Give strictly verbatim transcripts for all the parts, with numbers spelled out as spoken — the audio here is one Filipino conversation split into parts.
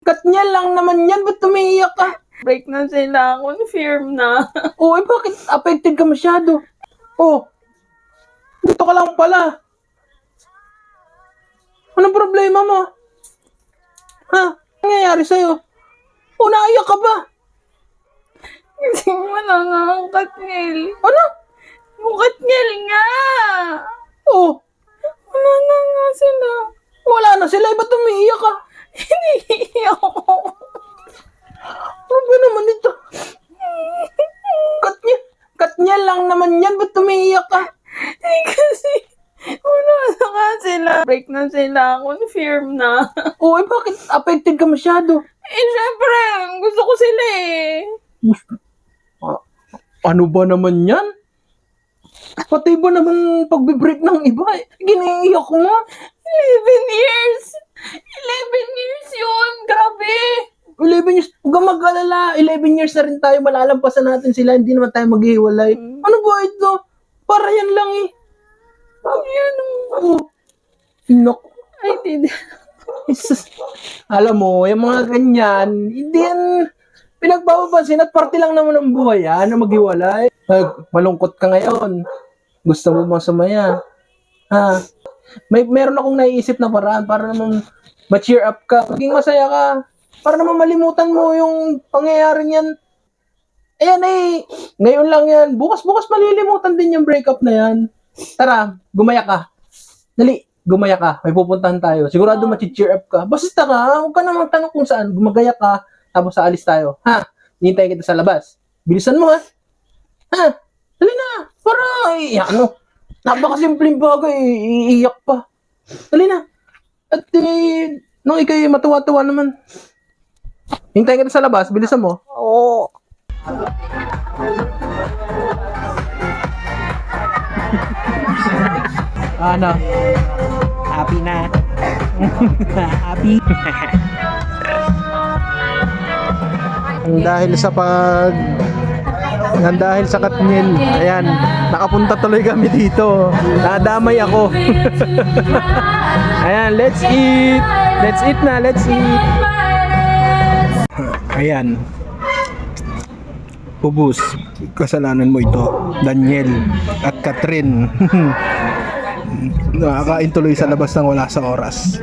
Katniel lang naman yan, ba't tumiiyak ka? Break na sila, confirm na. Oo, eh bakit affected ka masyado? Oh, dito ka lang pala. Anong problema mo? Ha? Anong nangyayari sa'yo? Oh, naiyak ka ba? Kasi wala nga ang Katniel. Ano? Yung Katniel nga! Oh, Wala na nga sila. wala na sila, eh ba't tumiiyak ka? Hinihiyak ako. Ano ba naman ito? Katniel, Katniel lang naman yan, ba't tumiiyak ka? Eh kasi, wala na nga sila. Break na sila, confirm na. Oo, eh bakit affected ka masyado? Eh syempre, gusto ko sila eh. Ah, ano ba naman yan? Pati ba naman pagbe-break ng iba? Eh, giniiyak mo? eleven years! eleven years yun! Grabe! eleven years, huwag kang mag-alala. eleven years na rin tayo, malalampasan natin sila, hindi naman tayo maghihiwalay. Mm. Ano ba ito? Para yan lang eh. Yan Oh. Naku. I did. Jesus. Alam mo, yung mga ganyan, hindi yan pinagpapapansin at parte lang naman ng buhay yan na maghiwalay. Ay, malungkot ka ngayon. Gusto mo bang sumaya? Ha? May meron akong naiisip na paraan para naman ma-cheer up ka. Maging masaya ka. Para naman malimutan mo yung pangyayaring yan. Ayan eh, ngayon lang yan. Bukas-bukas malilimutan din yung breakup na yan. Tara, gumaya ka. Dali, gumaya ka. May pupuntahan tayo. Sigurado ma-cheer up ka. Basta ka, huwag ka na magtanong kung saan. Gumagaya ka, tapos aalis tayo. Ha? Hintayin kita sa labas. Bilisan mo ha. Ha? Dali na. Para, eh, ano, napakasimpleng bagay. Iiyak pa. Dali na. At eh, nung ikay matuwa-tuwa naman. Hintayin kita sa labas. Bilisan mo. Oo. Ano? Happy na. Happy. Ang dahil sa pag ang dahil sa Katniel, ayan, nakapunta tuloy kami dito. Nadamay ako. Ayan, let's eat. Let's eat na, let's eat. Ayan. Ubus. Kasalanan mo ito, Daniel at Catherine. Nakakain tuloy sa labas ng wala sa oras.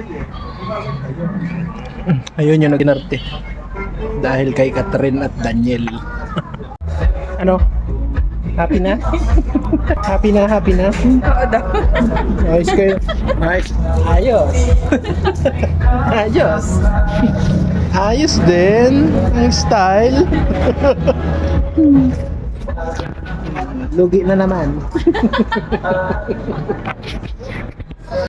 Ayun yung naginarte. Dahil kay Catherine at Daniel. Ano? Happy na? Happy na, happy na? Oo daw. Ayos kayo. Ayos. Ayos. Ayos. Ayos din. Ang style. Lugi na naman.